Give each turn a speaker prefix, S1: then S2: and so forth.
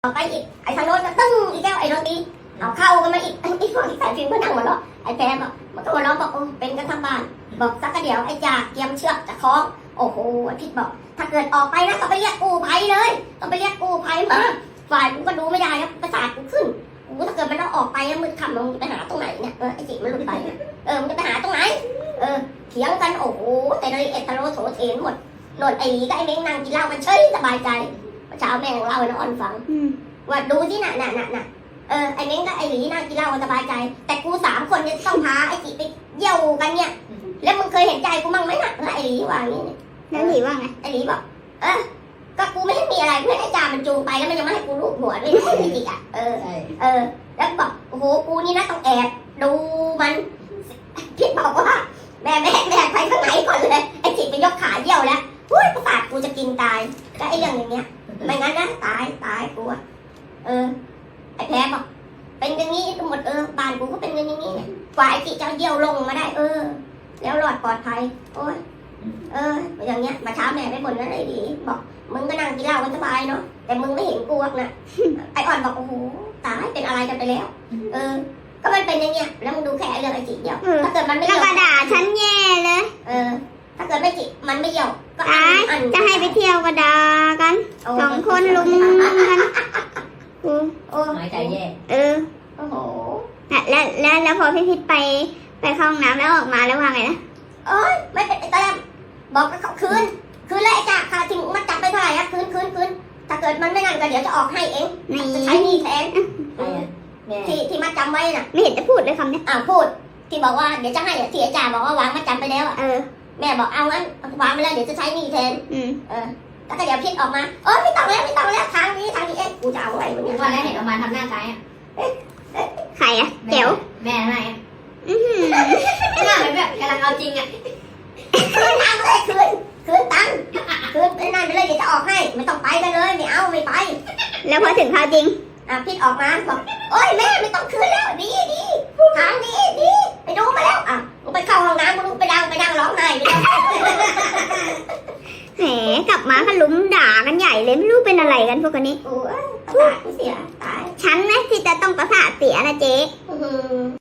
S1: ต่อไปอีกไอ้ทางโน้นก็ตึ้งอีกแล้วไอ้โน้นตีเอาเข้ากันมาอีกไอ้พวกที่ใส่ฟิล์มก็นั่งหัวเราะไอ้แพรบอกมันก็หัวเราะบอกโอ้เป็นกันทั้งบ้านบอกสักกระเดี๋ยวไอ้จ่าเตรียมเชือกจะคล้องโอ้โหอาทิตย์บอกถ้าเกิดออกไปนะต้องไปเรียกกู้ภัยเลยต้องไปเรียกกู้ภัยมาฝ่ายกูก็ดูไม่ได้นะประสาทกูขึ้นกูถ้าเกิดมันต้องออกไปมืดค่ำมึงไปหาตรงไหนเนี่ยไอ้จิมันหลุดไปมึงจะไปหาตรงไหนเถียงกันโอ้โหแต่ละเอ็ดทะโลโถเถนหมดโนนไอ้ก็ไอ้เม้งนั่งกินเหล้ามันเฉยสบายใจเช้าแม่ของเราเนาะอ่อนฟังว่าดูที่น่ะไอ้เม้งก็ไอ้หลีนั่งกินเหล้าสบายใจแต่กู3 คนเนี่ยต้องพาไอ้จิไปเยี่ยวกันเนี่ยแล้วมึงเคยเห็นใจกูมั่งไหมน่ะไอ้หลีว่าอย่างนี้
S2: แล้วหลีว่าไง
S1: ไอ้หลีบอกก็กูไม่ได้มีอะไรไม่ได้จ่ามันจูงไปแล้วมันยังไม่ให้กูลูบหัวด้วยไอ้จิอ่ะแล้วบอกโอ้โหกูนี่นะต้องแอบดูมันพี่บอกว่าแม่ไปข้างไหนก่อนเลยไอ้จิไปยกขาเยี่ยวแล้วประสาทกูจะกินตายก็ไอ้เรื่องอย่างเงี้ยไม่งั้นนะตายกูไอ้แพ้บอกเป็นอย่างนี้ทั้งหมดบ้านกูก็เป็นอย่างนี้เนี่ยกว่าไอ้จิจะเยี่ยวลงมาได้แล้วรอดปลอดภัยโอ้ยอย่างเงี้ยมาเช้าแม่ไปบ่นนั่นไอ้ดีบอกมึงก็นั่งกินเหล้ากันสบายเนาะแต่มึงไม่เห็นกูนะไอ้อ่อนบอกโอ้โหตายเป็นอะไรกันไปแล้วก็มันเป็นอย่างเงี้ยแล้วมึงดูแค่เรื่องไอ้จิเดียวถ้าเกิดมันไม่
S2: แล้วก็ด่าฉันแย่เลย
S1: ถ้าเกิดไม่จิมันไม่เยี่ยวก็
S2: จะให้ไปเที่ยวก็ด่ากัน2 คนลุมกัน
S3: หายใจแย่
S1: โอ้โห
S2: แล้วพอพี่พิษไปเข้าห้องน้ำแล้วออกมาแล้วว่าไงนะ
S1: ไม่เป็นไอ้ตอนบอกกับเขาคืนแล้วไอ้จ่าค่าที่มัดจับไปเท่าไหร่คืนถ้าเกิดมันไม่นั่นก็เดี๋ยวจะออกให้เองจะใช้หนี้แทนที่มัดจำไว้น่ะ
S2: ไม่เห็นจะพูดเลยคำนี้
S1: พูดที่บอกว่าเดี๋ยวจะให้ที่ไอ้จ่าบอกว่าวางมัดจำไปแล้วแม่บอกเอางั้นวางไปแล้วเดี๋ยวจะใช้หนี้แทนแล้วก็เดี๋ยวพิษออกมาไม่ต้องแล้วทางนี้กูจะเอาอะไรวันนี้
S3: วันแรกเห็นออกมาทำหน้าคล้าย
S2: ใครอะเจ๋ว
S3: แม่ให้หน้าแบบกำลังเอาจริง
S1: คืนตังค์เลยคืนตังค์คืนไปนั่นไปเลยเดี๋ยวจะออกให้ไม่ต้องไปกันเลยไม่ไป
S2: แล้วพอถึงคราวจริง
S1: พิษออกมาบอกโอ๊ยแม่ไม่ต้องคืนแล้วดีทางดีไปดูมาแล้วมึงไปเข้าห้องน้ำมึงไปดังร้องไห้ไปแล้ว
S2: แหมกลับมาก็ลุ้มด่ากันใหญ่เลยไม่รู้เป็นอะไรกันพวกนี้
S1: ประสาทเสียตาย
S2: ฉันไหมที่จะต้องประสาทเสียนะเจ๊